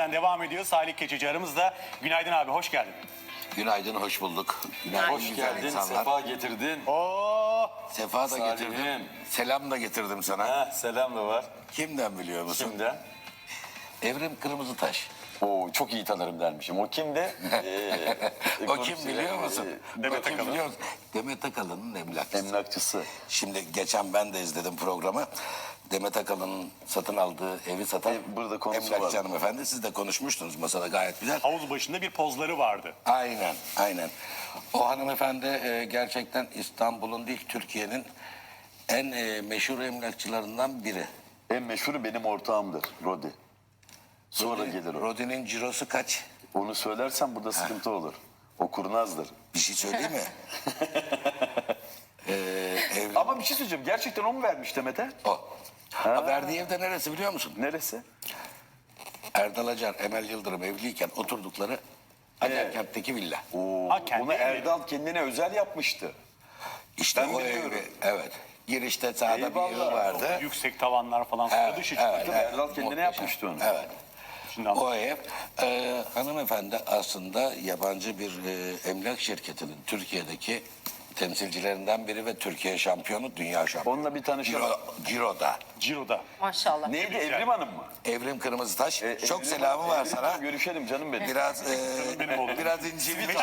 Devam ediyor. Salih Keçici aramızda. Günaydın abi, hoş geldin. Günaydın, hoş bulduk. Günaydın, Hoş güzel geldin, insanlar. sefa getirdin. Oo, Sefa da Salih'im. getirdim. Selam da getirdim sana. Selam da var. Kimden biliyor musun? Kimden? Evrim Kırmızıtaş. Oo, çok iyi tanırım dermişim. O kimde? O kim biliyor musun? Demet Kim Akalın. biliyor musun? Demet Akalın'ın emlakçısı. Emlakçısı. Şimdi geçen ben de izledim programı. Demet Akalın'ın satın aldığı evi satan Burada konusu emlakçı var. hanımefendi. Siz de konuşmuştunuz masada, gayet güzel. havuz başında bir pozları vardı. Aynen, aynen. O hanımefendi gerçekten İstanbul'un değil, Türkiye'nin en meşhur emlakçılarından biri. En meşhuru benim ortağımdır, Rodi. Sonra gelir o. Rodi'nin cirosu kaç? Onu söylersen burada sıkıntı olur. O kurnazdır. Bir şey söyleyeyim mi? Ama bir şey söyleyeceğim. Gerçekten o mu vermiş Demet'e? O. Ha, verdiği evde neresi biliyor musun? Neresi? Erdal Acar, Emel Yıldırım evliyken oturdukları Acarkent'teki villa. Oo, Ha, kendi bunu evi. Erdal kendine özel yapmıştı. İşte Ben o biliyorum. evi, evet. Girişte sağda bir evi Eyvallah. vardı. Yüksek tavanlar falan, sıra dışı çıktı. Tabii Erdal kendine muhteşem. yapmıştı onu. Evet. Şimdi anladım. O ev, hanımefendi aslında yabancı bir emlak şirketinin Türkiye'deki temsilcilerinden biri ve Türkiye şampiyonu, dünya şampiyonu. Onunla bir tanışalım. Ciro'da. Ciro'da. Maşallah. Neydi, Evrim Hanım mı? Evrim Kırmızıtaş. Çok Evrim selamı var Evrim sana. Hanım, görüşelim canım benim. Biraz Benim oğlum. biraz incinmiş.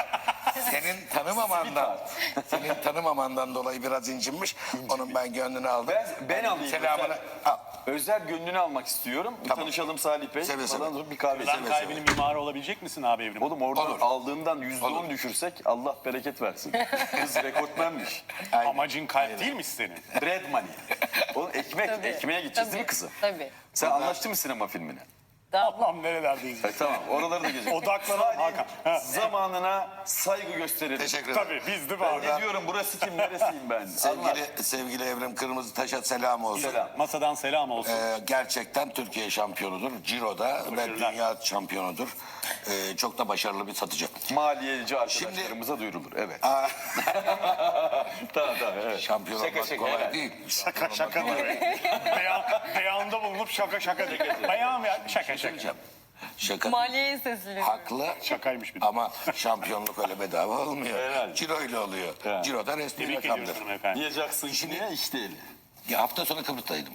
Senin tanımamandan dolayı biraz incinmiş. Onun ben gönlünü aldım. Ben alayım. Selamını al. Özel gönlünü almak istiyorum. Bir Tamam. tanışalım Salih Bey. Seve seve. Falan dur, bir kahve Lan içelim. kalbinin mimarı olabilecek misin abi Evrim? Oğlum oradan Olur. aldığından %10 Olur. düşürsek Allah bereket versin. Kız rekortmenmiş. Amacın kalp değil mi senin? Bread money. Oğlum ekmeğe gideceğiz değil mi kızım? Tabii. Sen anlaştın mı sinema filmine? Allah'ım nerelerdeyiz? Tamam, oraları da gezeceğiz. Odaklanan Hakan. Ha. Zamanına saygı gösterelim. Teşekkür ederim. Tabii biz değil mi Ben abi? ne diyorum, burası kim, neresiyim ben? Sevgili Evrim Kırmızıtaş'a selam olsun. Selam. Masadan selam olsun. Gerçekten Türkiye şampiyonudur. Ciro'da ve Başarılar. dünya şampiyonudur. Çok da başarılı bir satıcı. Maliyeci arkadaşlarımıza duyurulur. Evet. Tamam, evet. Şampiyon Şaka olmak şaka, kolay evet. değil. Şaka şaka diyor. Beyanda bulunup şaka şaka diyor. Beyan ya şaka şaka. Söyleyeceğim. Şaka Maliyeyi sesleniyor. haklı Şakaymış bir de. ama şampiyonluk öyle bedava olmuyor. Herhalde. Ciro ile oluyor. Evet. Ciro'da resmi Tebrik rakamdır. ediyoruz hanımefendi. Diyeceksin şimdi işte eli. Ya hafta sonu Kıbrıs'taydım.